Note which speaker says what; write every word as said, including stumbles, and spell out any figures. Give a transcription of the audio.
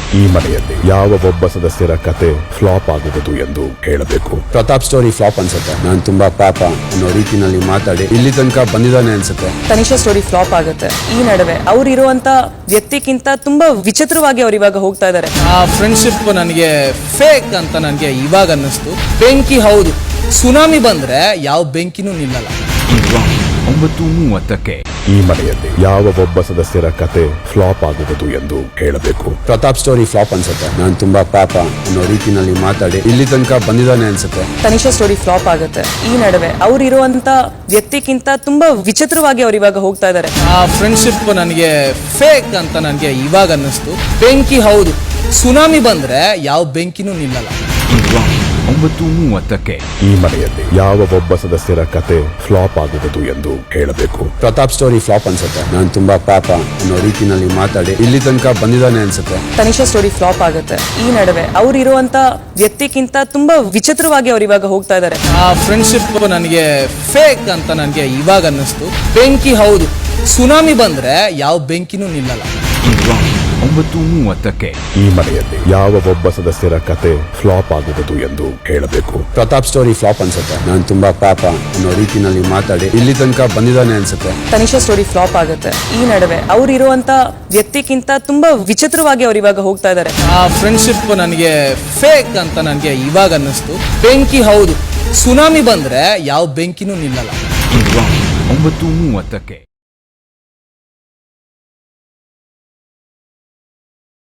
Speaker 1: ಈ ಮನೆಯಲ್ಲಿ ಯಾವ ಒಬ್ಬ ಸದಸ್ಯರ ಕತೆ ಫ್ಲಾಪ್ ಆಗುವುದು ಎಂದು ಹೇಳಬೇಕು.
Speaker 2: ಪ್ರತಾಪ್ ಸ್ಟೋರಿ ಫ್ಲಾಪ್ ಅನ್ಸುತ್ತೆ. ನಾನು ತುಂಬಾ ಪಾಪ ಅನ್ನೋ ರೀತಿನಲ್ಲಿ ಮಾತಾಡಿ ಇಲ್ಲಿ ತನಕ ಬಂದಿದ್ದಾನೆ ಅನ್ಸುತ್ತೆ.
Speaker 3: ತನಿಷಾ ಸ್ಟೋರಿ ಫ್ಲಾಪ್ ಆಗುತ್ತೆ. ಈ ನಡುವೆ ಅವ್ರು ಇರುವಂತ ವ್ಯಕ್ತಿಗಿಂತ ತುಂಬಾ ವಿಚಿತ್ರವಾಗಿ ಅವ್ರು ಇವಾಗ ಹೋಗ್ತಾ ಇದಾರೆ.
Speaker 4: ಆ ಫ್ರೆಂಡ್ಶಿಪ್ ನನಗೆ ಫೇಕ್ ಅಂತ ನನಗೆ ಇವಾಗ ಅನ್ನಿಸ್ತು. ಬೆಂಕಿ ಹೌದು, ಸುನಾಮಿ ಬಂದ್ರೆ ಯಾವ ಬೆಂಕಿನೂ ನಿಲ್ಲಲ್ಲ.
Speaker 5: ಒಂಬತ್ತು ಮೂವತ್ತಕ್ಕೆ
Speaker 1: ಈ ಮನೆಯಲ್ಲಿ ಯಾವ ಒಬ್ಬ ಸದಸ್ಯರ ಕತೆ ಫ್ಲಾಪ್ ಆಗುವುದು ಎಂದು ಹೇಳಬೇಕು.
Speaker 2: ಪ್ರತಾಪ್ ಸ್ಟೋರಿ ಫ್ಲಾಪ್ ಅನ್ಸುತ್ತೆ. ನಾನು ತುಂಬಾ ಪಾಪ ಅನ್ನೋ ರೀತಿನಲ್ಲಿ ಮಾತಾಡಿ ಇಲ್ಲಿ ತನಕ ಬಂದಿದ್ದಾನೆ ಅನ್ಸುತ್ತೆ.
Speaker 3: ತನಿಷಾ ಸ್ಟೋರಿ ಫ್ಲಾಪ್ ಆಗುತ್ತೆ. ಈ ನಡುವೆ ಅವ್ರು ಇರುವಂತ ವ್ಯಕ್ತಿಗಿಂತ ತುಂಬಾ ವಿಚಿತ್ರವಾಗಿ ಅವ್ರು ಇವಾಗ ಹೋಗ್ತಾ ಇದಾರೆ.
Speaker 4: ಆ ಫ್ರೆಂಡ್ಶಿಪ್ ನನಗೆ ಫೇಕ್ ಅಂತ ನನಗೆ ಇವಾಗ ಅನ್ನಿಸ್ತು. ಬೆಂಕಿ ಹೌದು, ಸುನಾಮಿ ಬಂದ್ರೆ ಯಾವ ಬೆಂಕಿನೂ ನಿಲ್ಲಲ್ಲ.
Speaker 5: ಒಂಬತ್ತು ಮೂವತ್ತಕ್ಕೆ
Speaker 1: ಈ ಮನೆಯಲ್ಲಿ ಯಾವ ಒಬ್ಬ ಸದಸ್ಯರ ಕತೆ ಫ್ಲಾಪ್ ಆಗುವುದು ಎಂದು ಹೇಳಬೇಕು.
Speaker 2: ಪ್ರತಾಪ್ ಸ್ಟೋರಿ ಫ್ಲಾಪ್ ಅನ್ಸುತ್ತೆ. ನಾನು ತುಂಬಾ ಪಾಪ ಅನ್ನೋ ರೀತಿನಲ್ಲಿ ಮಾತಾಡಿ ಇಲ್ಲಿ ತನಕ ಬಂದಿದ್ದಾನೆ ಅನ್ಸುತ್ತೆ.
Speaker 3: ತನಿಷಾ ಸ್ಟೋರಿ ಫ್ಲಾಪ್ ಆಗುತ್ತೆ. ಈ ನಡುವೆ ಅವ್ರು ಇರುವಂತ ವ್ಯಕ್ತಿಗಿಂತ ತುಂಬಾ ವಿಚಿತ್ರವಾಗಿ ಅವ್ರು ಇವಾಗ ಹೋಗ್ತಾ ಇದಾರೆ.
Speaker 4: ಆ ಫ್ರೆಂಡ್ಶಿಪ್ ನನಗೆ ಫೇಕ್ ಅಂತ ನನಗೆ ಇವಾಗ ಅನ್ನಿಸ್ತು. ಬೆಂಕಿ ಹೌದು, ಸುನಾಮಿ ಬಂದ್ರೆ ಯಾವ ಬೆಂಕಿನೂ ನಿಲ್ಲಲ್ಲ.
Speaker 5: ಒಂಬತ್ತು ಮೂವತ್ತಕ್ಕೆ
Speaker 1: ಈ ಮನೆಯಲ್ಲಿ ಯಾವ ಒಬ್ಬ ಸದಸ್ಯರ ಕತೆ ಫ್ಲಾಪ್ ಆಗುವುದು ಎಂದು ಹೇಳಬೇಕು.
Speaker 2: ಪ್ರತಾಪ್ ಸ್ಟೋರಿ ಫ್ಲಾಪ್ ಅನ್ಸುತ್ತೆ. ನಾನು ತುಂಬಾ ಪಾಪ ಅನ್ನೋ ರೀತಿನಲ್ಲಿ ಮಾತಾಡಿ ಇಲ್ಲಿ ತನಕ ಬಂದಿದ್ದಾನೆ ಅನ್ಸುತ್ತೆ.
Speaker 3: ತನಿಷಾ ಸ್ಟೋರಿ ಫ್ಲಾಪ್ ಆಗುತ್ತೆ. ಈ ನಡುವೆ ಅವ್ರು ಇರುವಂತ ವ್ಯಕ್ತಿಗಿಂತ ತುಂಬಾ ವಿಚಿತ್ರವಾಗಿ ಅವ್ರು ಇವಾಗ ಹೋಗ್ತಾ ಇದಾರೆ.
Speaker 4: ಆ ಫ್ರೆಂಡ್ಶಿಪ್ ನನಗೆ ಫೇಕ್ ಅಂತ ನನಗೆ ಇವಾಗ ಅನ್ನಿಸ್ತು. ಬೆಂಕಿ ಹೌದು, ಸುನಾಮಿ ಬಂದ್ರೆ ಯಾವ ಬೆಂಕಿನೂ ನಿಲ್ಲಲ್ಲ.
Speaker 5: ಒಂಬತ್ತು ಮೂವತ್ತಕ್ಕೆ